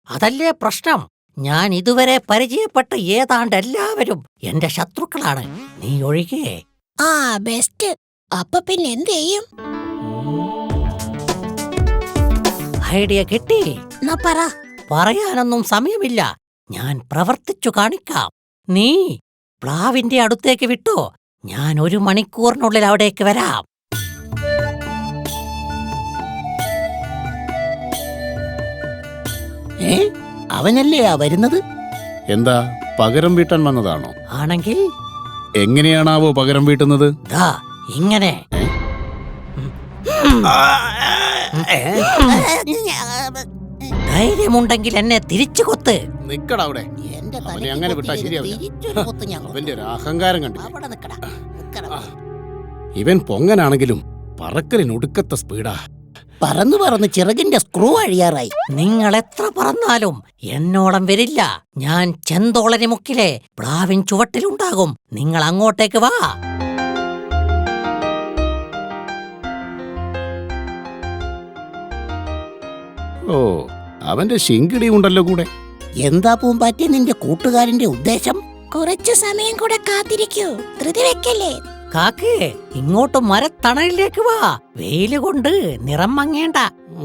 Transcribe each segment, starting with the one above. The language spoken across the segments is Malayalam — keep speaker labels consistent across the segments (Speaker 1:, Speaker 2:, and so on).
Speaker 1: അതല്ലേ പ്രശ്നം. ഞാൻ ഇതുവരെ പരിചയപ്പെട്ട ഏതാണ്ട് എല്ലാവരും എന്റെ ശത്രുക്കളാണ്, നീ ഒഴികെ.
Speaker 2: ആ ബെസ്റ്റ്. അപ്പൊ പിന്നെ എന്ത് ചെയ്യും?
Speaker 1: ഐഡിയ കിട്ടി.
Speaker 2: എന്നാ പറ.
Speaker 1: പറയാനൊന്നും സമയമില്ല, ഞാൻ പ്രവർത്തിച്ചു കാണിക്കാം. നീ പ്ലാവിന്റെ അടുത്തേക്ക് വിട്ടോ, ഞാൻ 1 മണിക്കൂറിനുള്ളിൽ അവിടേക്ക് വരാം.
Speaker 3: അവനല്ലേ വരുന്നത്?
Speaker 4: എന്താ പകരം വീട്ടാൻ വന്നതാണോ?
Speaker 1: ആണെങ്കിൽ
Speaker 4: എങ്ങനെയാണാവോ പകരം വീട്ടുന്നത്?
Speaker 1: ദാ ഇങ്ങനെ. ധൈര്യമുണ്ടെങ്കിൽ എന്നെ തിരിച്ചു കൊത്ത്.
Speaker 4: നിക്കടാ അവിടെ. അവനെ അങ്ങനെ വിട്ടാ ശരിയാവില്ല. അവന്റെ ഒരു അഹങ്കാരം കണ്ടില്ലേ? ഇവൻ പൊങ്ങനാണെങ്കിലും പറക്കലിനൊടുക്കത്തെ സ്പീഡാ.
Speaker 3: പറന്ന് പറന്ന് ചിറകിന്റെ സ്ക്രൂ അഴിയാറായി.
Speaker 1: നിങ്ങൾ എത്ര പറന്നാലും എന്നോളം വരില്ല. ഞാൻ ചെന്തോളനി മുക്കിലെ പ്ലാവിൻ ചുവട്ടിലുണ്ടാകും. നിങ്ങൾ അങ്ങോട്ടേക്ക് വാ.
Speaker 4: ഓ, അവന്റെ ശിങ്കിടി ഉണ്ടല്ലോ കൂടെ.
Speaker 3: എന്താ പൂമ്പാറ്റ നിന്റെ കൂട്ടുകാരന്റെ ഉദ്ദേശം?
Speaker 2: കുറച്ചു സമയം കൂടെ കാത്തിരിക്കൂ, ധൃതി വെക്കല്ലേ.
Speaker 1: കാക്കേ, ഇങ്ങോട്ട് മരത്തണലിലേക്ക് വാ. വെയില് കൊണ്ട് നിറം മങ്ങേണ്ട.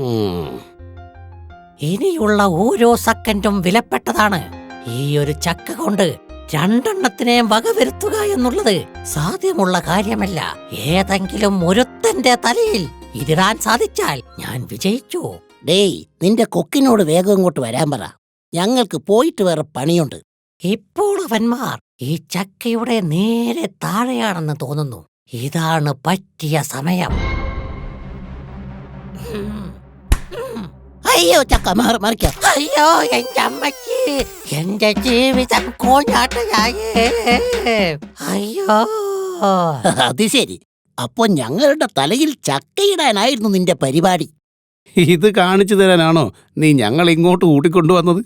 Speaker 1: ഇനിയുള്ള ഓരോ സെക്കൻഡും വിലപ്പെട്ടതാണ്. ഈ ഒരു ചക്ക കൊണ്ട് 2 എണ്ണത്തിനെയും വകവരുത്തുക എന്നുള്ളത് സാധ്യമുള്ള കാര്യമല്ല. ഏതെങ്കിലും ഒരുത്തന്റെ തലയിൽ ഇതിടാൻ സാധിച്ചാൽ ഞാൻ വിജയിച്ചു.
Speaker 3: ഡേയ്, നിന്റെ കൊക്കിനോട് വേഗം ഇങ്ങോട്ട് വരാൻ പറ. ഞങ്ങൾക്ക് പോയിട്ട് വേറെ പണിയുണ്ട്.
Speaker 1: ഇപ്പോൾ അവന്മാർ ഈ ചക്കയുടെ നേരെ താഴെയാണെന്ന് തോന്നുന്നു. ഇതാണ് പറ്റിയ സമയം.
Speaker 3: അയ്യോ, ചക്ക മറിക്കാം.
Speaker 1: അയ്യോ, എന്റെ അമ്മയ്ക്ക്, എന്റെ ജീവിതം കോഞ്ഞാട്ടയായേ. അയ്യോ.
Speaker 3: അത് ശരി. അപ്പൊ ഞങ്ങളുടെ തലയിൽ ചക്കയിടാനായിരുന്നു നിന്റെ പരിപാടി.
Speaker 4: ഇത് കാണിച്ചു തരാനാണോ നീ ഞങ്ങൾ ഇങ്ങോട്ട് കൂട്ടിക്കൊണ്ടുവന്നത്?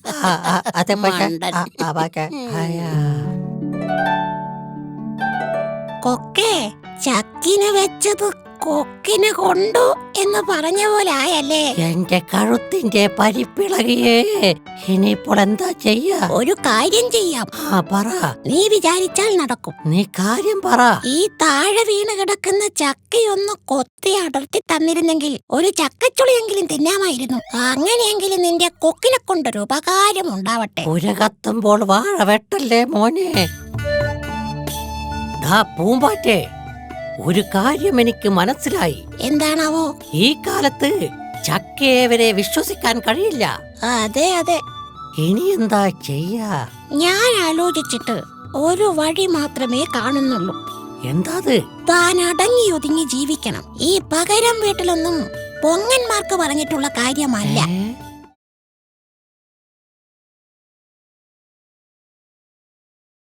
Speaker 2: കൊക്കേ, ചക്കിന് വെച്ചത് കൊക്കിന് കൊണ്ടു എന്ന് പറഞ്ഞ പോലെ ആയല്ലേ?
Speaker 1: എന്റെ കഴുത്തിന്റെ പരിപ്പിളകിയേ. ഇനിയിപ്പോൾ എന്താ ചെയ്യാ?
Speaker 2: ഒരു കാര്യം ചെയ്യാം.
Speaker 1: പറ.
Speaker 2: നീ വിചാരിച്ചാൽ നടക്കും.
Speaker 1: നീ കാര്യം പറ.
Speaker 2: ഈ താഴെ വീണ് കിടക്കുന്ന ചക്കയൊന്ന് കൊത്തി അടർത്തി തന്നിരുന്നെങ്കിൽ ഒരു ചക്കച്ചുളിയെങ്കിലും തിന്നാമായിരുന്നു. അങ്ങനെയെങ്കിലും നിന്റെ കൊക്കിനെ കൊണ്ടൊരു ഉപകാരം ഉണ്ടാവട്ടെ.
Speaker 1: പുരകത്തുമ്പോൾ വാഴ വെട്ടല്ലേ മോനെ. പൂമ്പാറ്റേ, ഒരു കാര്യം എനിക്ക് മനസ്സിലായി.
Speaker 2: എന്താണാവോ?
Speaker 1: ഈ കാലത്ത് ചക്കയെ വരെ വിശ്വസിക്കാൻ കഴിയില്ല.
Speaker 2: അതെ അതെ.
Speaker 1: ഇനി എന്താ ചെയ്യാ?
Speaker 2: ഞാൻ ആലോചിച്ചിട്ട് ഒരു വഴി മാത്രമേ കാണുന്നുള്ളൂ.
Speaker 1: എന്താ?
Speaker 2: താൻ അടങ്ങി ഒതുങ്ങി ജീവിക്കണം. ഈ പകരം വീട്ടിലൊന്നും പൊങ്ങന്മാർക്ക് പറഞ്ഞിട്ടുള്ള കാര്യമല്ല.